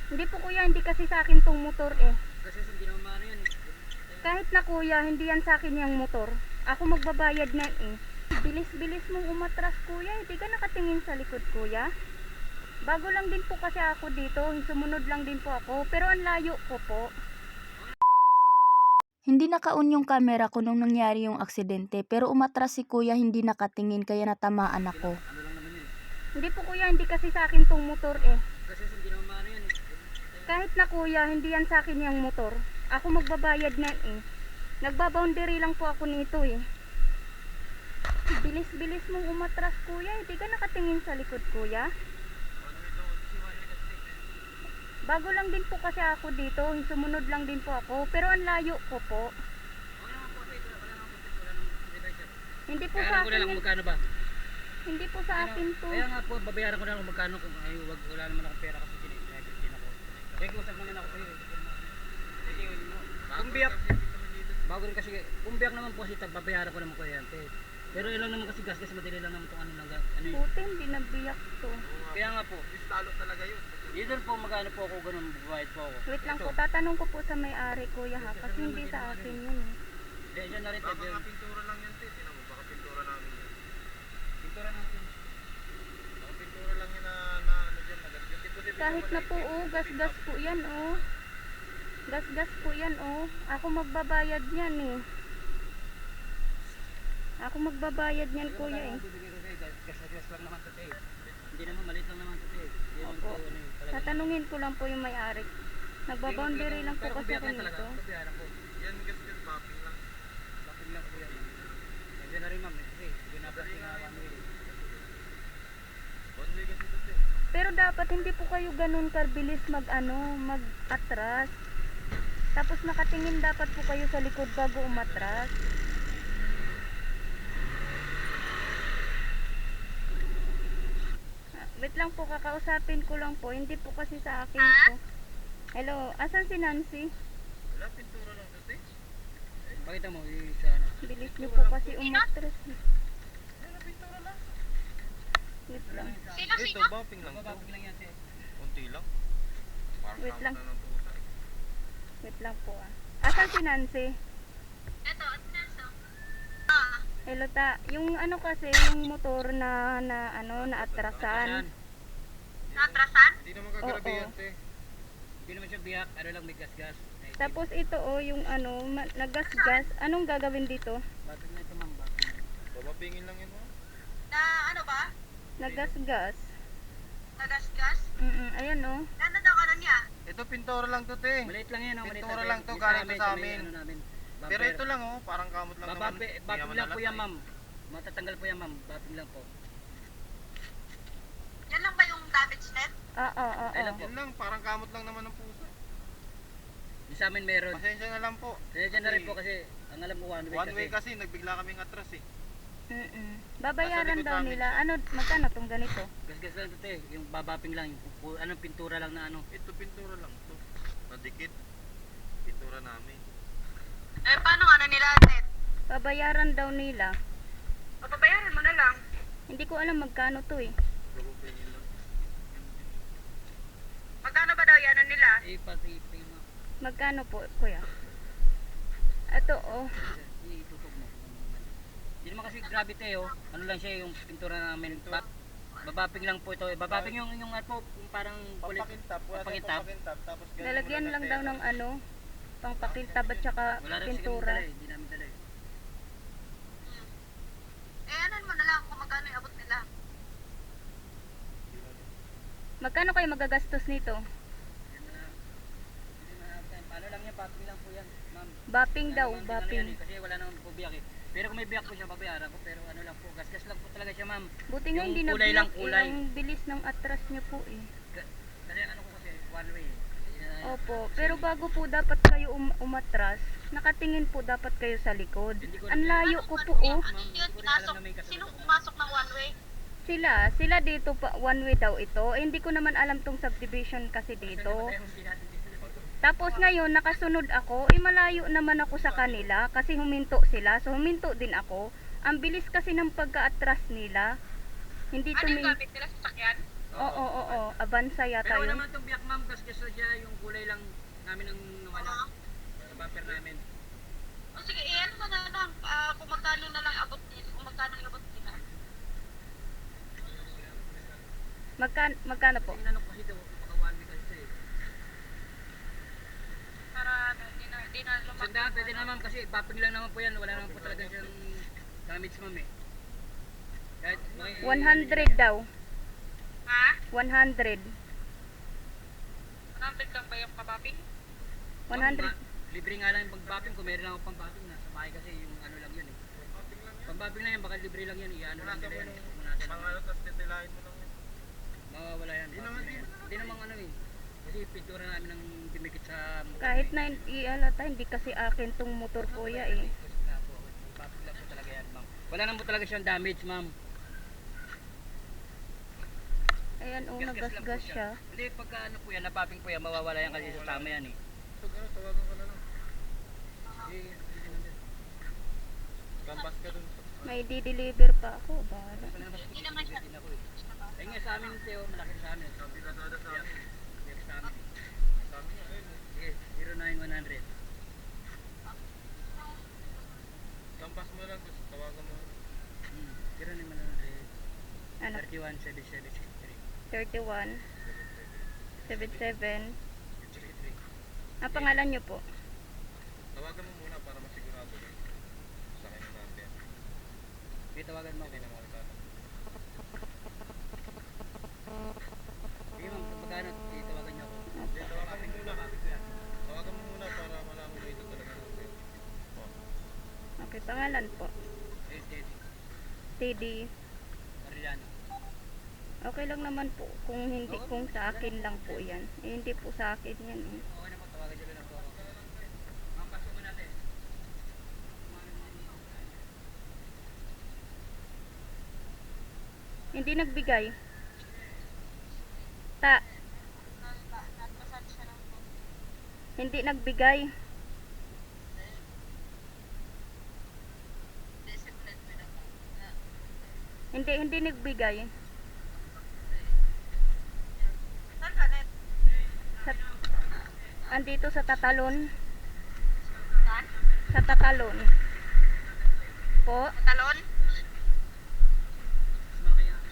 Hindi po kuya, hindi kasi sa akin tong motor eh. Kasi hindi naman maano yan eh. Kahit na kuya, hindi yan sa akin yung motor. Ako magbabayad na eh. Bilis-bilis mong umatras kuya, hindi ka nakatingin sa likod kuya. Bago lang din po kasi ako dito, sumunod lang din po ako, pero ang layo ko po. Hindi naka-on yung camera ko nung nangyari yung aksidente, pero umatras si kuya, hindi nakatingin kaya natamaan ako. Ano lang naman yun. Hindi po kuya, hindi kasi sa akin tong motor eh. Kasi hindi naman maano yan eh. Kahit na kuya, hindi yan sa akin yung motor. Ako magbabayad na eh. Nagbaboundary lang po ako nito eh. Bilis-bilis mong umatras kuya, hindi ka nakatingin sa likod kuya. Bago lang din po kasi ako dito, sumunod lang din po ako, pero ang layo ko po. Hindi po sa Bayaran ko na lang akin, kung magkano ba. hindi po sa akin to. Kaya nga po, babayaran ko na lang kung magkano kung ay, wala naman akong pera kasi din ako. Kaya usap naman ako sa'yo. Sige, kung biyak, bago rin kasi, kung biyak naman po kasi babayaran ko naman ko yan. Pero ilang naman kasi gas madali lang naman itong ano lang. Ano yun. Buti hindi nabiyak to. Kaya nga po, lalo talaga yun. Yun po magkano po ako ganun, babayad po ako. Wait lang po, tatanong ko po sa may-ari kuya ha, kasi hindi sa akin yun eh. Hindi, dyan na rin. Baka nga pintura lang yan, te. Tinan mo, baka pintura namin yan. Pintura natin. Baka pintura lang yan na ano dyan, nagasgas. Ito din Kahit na po oh, gas-gas po yan oh. Gas-gas po yan oh. Ako magbabayad yan eh. Ako magbabayad yan kuya eh. Gas lang naman ito eh. Hindi naman, maliit lang naman ito eh. Opo. Tatanungin ko lang po yung may-ari. Nagbaboundary lang po kasi ako nito. Babayaran ko. yan gas-gas, mapping lang. Bakit lang po yan. Kasi na rin ma'am, kasi ginablas ko na one way. One way kasi ito, te. Pero dapat hindi po kayo ganun kabilis mag-atras. Tapos nakatingin dapat po kayo sa likod bago umatras. Wait lang po, kakausapin ko lang po. Hindi po kasi sa akin to. Hello, asan si Nancy? Wala, pintura lang ito, te. Pakita mo, sa ano. Bilis niyo po kasi umatras. Wala, pintura lang. Wait lang. Ito, bumping lang to. Bababag lang yan siya. Kunti lang. Parang Wait kamot lang. na ng pusa. Wait lang po ah. Asan si Nancy? Eto, Nancy. Hello ta, yung ano kasi, yung motor na atrasan. Natrasan? Hindi naman kagarabi Oo. yan, te. Hindi naman siya biyak, ano lang may gas-gas. Tapos ito oh, yung ano, nagasgas. Anong gagawin dito? Bakit na ito ma'am, bakit? Bababingin lang yan, mo. Na ano ba? Nagasgas. Nagasgas? Ayan oh. Ano daw ano niya? Ito, pintura lang to, te. Maliit lang yan, maliit Pintura lang. lang to, Yung galing to sa may amin. ano namin, Pero bumper. ito lang, oh. Parang kamot lang naman. Bapping lang po yan ma'am. Matatanggal po yan ma'am, bapping lang po. Yan lang ba yung damage net? Ay lang po. Yan lang, parang kamot lang naman ng pusa. Yung sa amin meron. Pasensya na lang po. Kaya dyan na rin po kasi, ang alam ko one way One way kasi, nagbigla kaming atras eh. Babayaran likod daw namin nila. Ano, magkano tong ganito? Gas-gas lang ito eh, yung babapping lang, yung anong pintura lang na ano. Ito, pintura lang to. Nadikit. Pintura namin. Eh, paano ano nila net? Babayaran daw nila. Papabayaran mo na lang. Hindi ko alam magkano to eh. Bababingin lang. Magkano ba daw yan ano nila? Eh, pati pay mo. Magkano po, kuya? Ito oh. Itutok mo. Hindi naman kasi grabe tayo, ano lang siya yung pintura namin. Babapping lang po ito. Babapping yung ano, yung parang kulit. Papakintab. Wala tayong Papakintab. papakintab. Tapos ganyan Lalagyan mo lang daw pera. ng ano, pangpakiltab at saka Wala rin kasi kami pintura. dala eh, hindi namin dala eh. Eh, anan mo na lang kung magkano yung abot nila. Magkano kayo magagastos nito? Ano lang yan, bapping lang po yan, ma'am. Bapping daw, Ano, bapping. yan eh, kasi wala naman po biyak eh. Pero kung may biyak po siya, babayaran ko. Pero ano lang po, gas-gas lang po talaga siya, ma'am. Buti nga Yung hindi kulay nabiyak lang, kulay. eh. Ang bilis ng atras niya po eh. Kasi ano ko kasi, one way eh. Opo, pero bago po dapat kayo umatras, nakatingin po dapat kayo sa likod. Hindi ko Ang rin- layo ko po Ano oh. yun? Ano yun? Pinasok? Sinong pumasok ng one way? Sila dito pa one way daw ito. Eh, hindi ko naman alam tong subdivision kasi dito. Tapos ngayon nakasunod ako, malayo naman ako sa kanila kasi huminto sila. So huminto din ako. Ang bilis kasi ng pagka-atras nila. Hindi Ano yung tuming gamit nila sa sakyan? Oo, Avanza yata Pero wala yun. naman itong biyak, ma'am, gas-gas lang siya. namin ang nawala. Sa bumper namin. O sige, ano mo na lang, kung magkano na lang abot nila, kung magkano yung abot nila. Magkano po? Inanong kasi daw, baka 1 week kasi eh. Para di na lumaki. Sandaan, pwede naman kasi bumping lang naman po yan. Wala naman po talaga siyang damage ma'am eh. Kahit, 100 daw. Ha? 100. 100 lang ba yung kababing? 100. Libre nga lang yung pag-bumping. Kung meron lang ako pang-bumping na sa bahay kasi yung ano lang yun eh. Pang-bumping lang yan, baka libre lang yan. Iano lang nila yan. Punasan lang. Pang ano, tapos titilahin mo lang yun. Mawawala yan. Hindi naman ano eh. Kasi pintura namin ng dumikit sa motor. Kahit na ialata, hindi kasi akin tong motor kuya eh. Bumping lang po talaga yan ma'am. Wala naman po talaga siyang damage ma'am. Ayan, oh, Gas-gas lang po nagasgas siya. Hindi, pagka ano po yan, napopping po yan, mawawala yan kasi sa tama yan eh. So, ano, tawagan ka na lang. Eh, hindi naman din. Gambas ka dun. May di-deliver pa ako. Bahala. Hindi naman siya. Din ako eh. Ay nga sa amin, Teo, malaki sa amin. Sabi ka dada sa amin. Malaki sa amin. Sabi niya, ayun eh. Sige, 09100. Gambas mo lang, tapos tawagan mo. 09100. Ano? 317763. 31 77. 63. Ang pangalan niyo po? Tawagan mo muna para masigurado rin. Sa akin yung number. Sige, tawagan mo ako. Hindi na makakita. Sige ma'am, kung magkano, sige, tawagan niyo ako. Hindi, tawagan mo muna. Tawagan mo muna para malaman mo ito talaga number. Okay, pangalan po. Eh, Teddy. Teddy. Arellano. Okay lang naman po kung hindi, kung sa akin lang po yan. Eh, hindi po sa akin yan eh. Okay na po, tawagan niyo lang po ako. Ma'am, pasok mo natin. Hindi nagbigay. Ta. Hindi nagbigay. Hindi nagbigay. Saan ka, Net? Sa, andito sa Tatalon. Saan? Sa Tatalon. Po. Talon? Mas malaki yan.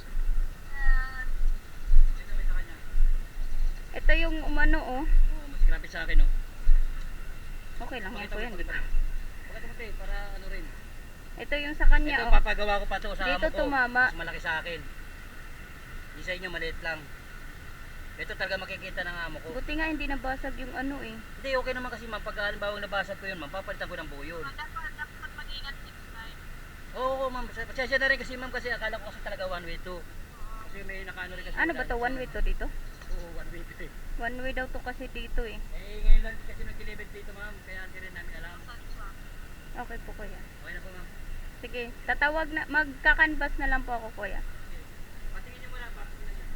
Ito may sa kanya. Ito yung umano oh. Oo, mas grabe sa akin oh. Okay lang yan Pakita po mo, yan. pakita mo. Pakita mo, te, para ano rin. Ito yung sa kanya Ito, oh. papagawa ko pa to sa Dito amo ko. tumama. Mas malaki sa akin. Hindi sa inyo, maliit lang. Ito talaga makikita ng amo ko. Buti nga hindi nabasag yung ano eh. Hindi, okay naman kasi ma'am. Pag halimbawa nabasag ko yun ma'am, papalitan ko ng buo yun. Dapat mag-ingat next time. Oo ma'am, pasensya na rin kasi ma'am kasi akala ko kasi talaga one way to. Kasi may nakaano rin kasi. Ano ba to? One way to dito? Oo, one way to eh. One way daw to kasi dito eh. Eh, ngayon lang kasi nag-deliver dito ma'am, kaya hindi rin namin alam. Okay po kuya. Okay na po ma'am. Sige, tatawag na, magkakanvas na lang po ako kuya. Patingin niyo muna, papatingin niyo.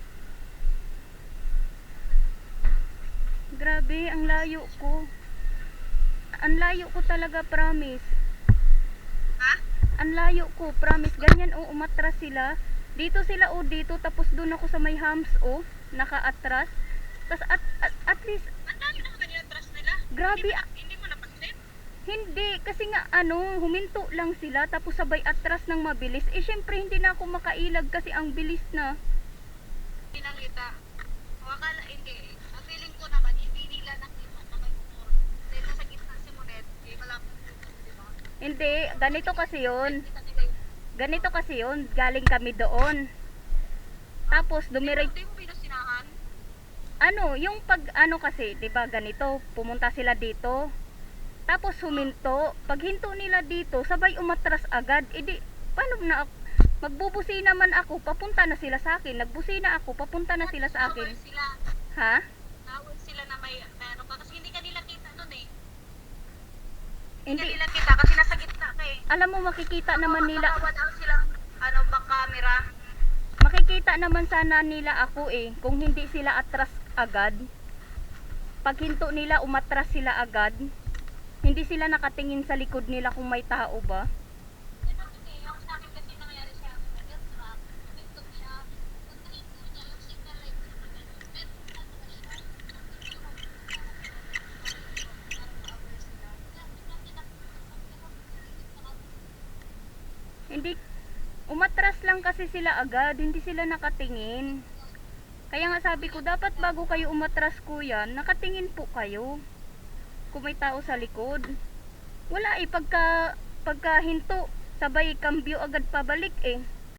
Grabe, ang layo ko. Ang layo ko talaga, promise. Ha? Ang layo ko, promise. Ganyan o, umatras sila. Dito sila o dito, tapos doon ako sa may hams o, naka-atras. Tapos at least, Ang dami na kanina trust nila. grabe, Hindi mo napansin? hindi, kasi nga ano, huminto lang sila, tapos sabay atras ng mabilis. Eh, syempre, hindi na ako makailag kasi ang bilis na. Hindi nakita. Wakala, hindi. Ang feeling ko naman, hindi nila nakita na may motor. Dahil nasa gitna si Monet, eh, malapit yung di ba? Hindi, ganito kasi yun. Kita nila yung Ganito kasi yun, galing kami doon. Tapos, dumiretso. Hindi mo pinasinahan. Ano, yung pag ano kasi, 'di ba, ganito, pumunta sila dito. Tapos huminto. Pag hinto nila dito, sabay umatras agad. E di, paano na magbubusi naman ako, papunta na sila sa akin. Nagbusina ako, papunta na sila sa akin. Nawal sila. Ha? Nawal sila na may ano ka. Kasi hindi ka nila kita nun eh. Hindi Hindi, ka nila kita kasi nasa gitna ka eh. alam mo, makikita naman nila, Wala silang ano, back camera. makikita naman sana nila ako eh, kung hindi sila atras agad. Pag hinto nila, umatras sila agad. Hindi sila nakatingin sa likod nila kung may tao ba. Yung sa akin kasi nangyari siya, yung truck, pinto siya, pag nahinto niya, yung signal light na ganun, pero ano na siya, Hindi, umatras lang kasi sila agad, hindi sila nakatingin. Kaya nga sabi ko, dapat bago kayo umatras kuya, nakatingin po kayo. Kung may tao sa likod. Wala pagka hinto, sabay kambyo agad pabalik